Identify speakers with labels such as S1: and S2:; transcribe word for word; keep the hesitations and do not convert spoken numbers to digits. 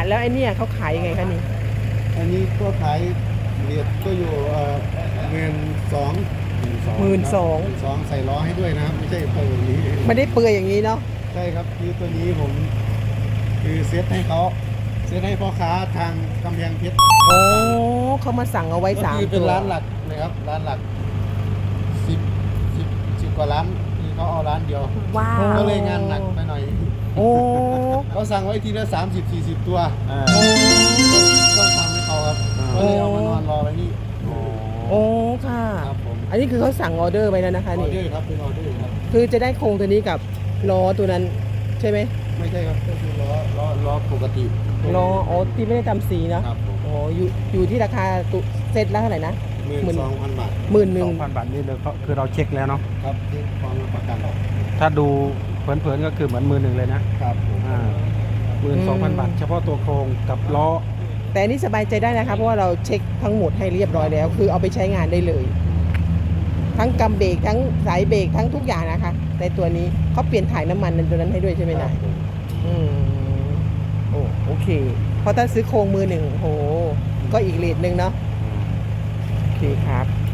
S1: แล้วไอ้เนี่ยเขาขายยังไงคะนี่
S2: อันนี้ก็ขายเรียดก็อยู่เงินสอง
S1: หมื่นสอง
S2: สองใส่ล้อให้ด้วยนะครับไม่ใช่เปิดอย่างนี้
S1: ไม่ได้เปลือยอย่างนี้เนาะ
S2: ใช่ครับคือตัวนี้ผมคือเซตให้เขาเซตให้พ่อค้าทางกำแพงเพชร
S1: โอ้เขามาสั่งเอาไว้สามตัว
S2: เป็นร้านหลักนะครับร้านหลักสิบสิบสิบกว่าร้านคือเขาเอาร้านเดียว
S1: ว้าว
S2: ก็เลยงานหนักไปหน่อย
S1: โอ้
S2: เขาสั่งไว้ทีละสามสิบสี่สิบตัวต้องทำให้เขาครับก็เลยเอามานอนรอไว้นี่
S1: โอ้ค่ะ
S2: ครับผม
S1: อันนี้คือเขาสั่งออเดอร์ไว้แล้วนะคะ
S2: ออ
S1: นี่
S2: เดอร์ครับเป็นออเดอร์ครับ
S1: คือจะได้โครงตัวนี้กับล้อตัวนั้นใช่ไหม
S2: ไม่ใช่ครับก็คือล้อล้อล้อปกติ
S1: ล้ออ๋อที่ไม่ได้ทำสีนะครับ
S2: ผม
S1: อ๋ออยู่อยู่ที่ราคาตุเซตละเท่าไหร่นะ
S2: หมื่นสองพันบาท
S1: หมื่นหนึ่ง
S3: สองพันบาทนี่เลยก็คือเราเช็คแล้วเนาะ
S2: ครับที่พร้อมรับประกัน
S3: ถ้าดูเผินๆก็คือเหมือนมือหนึ่งเลยนะครับอ่าหมื่นสองพันบาทเฉพาะตัวโครงกับล้อ
S1: แต่อันนี้สบายใจได้นะคะเพราะว่าเราเช็คทั้งหมดให้เรียบร้อยแล้วคือเอาไปใช้งานได้เลย ทั้งกำเบรกทั้งสายเบรกทั้งทุกอย่างนะคะในตัวนี้เขาเปลี่ยนถ่ายน้ำมันในตัวนั้นให้ด้วยใช่ไหมนะอืมโอ้โอเคเพราะถ้าซื้อโครงมือหนึ่งโหก็อีกเรทหนึ่งเนาะโอเคครับ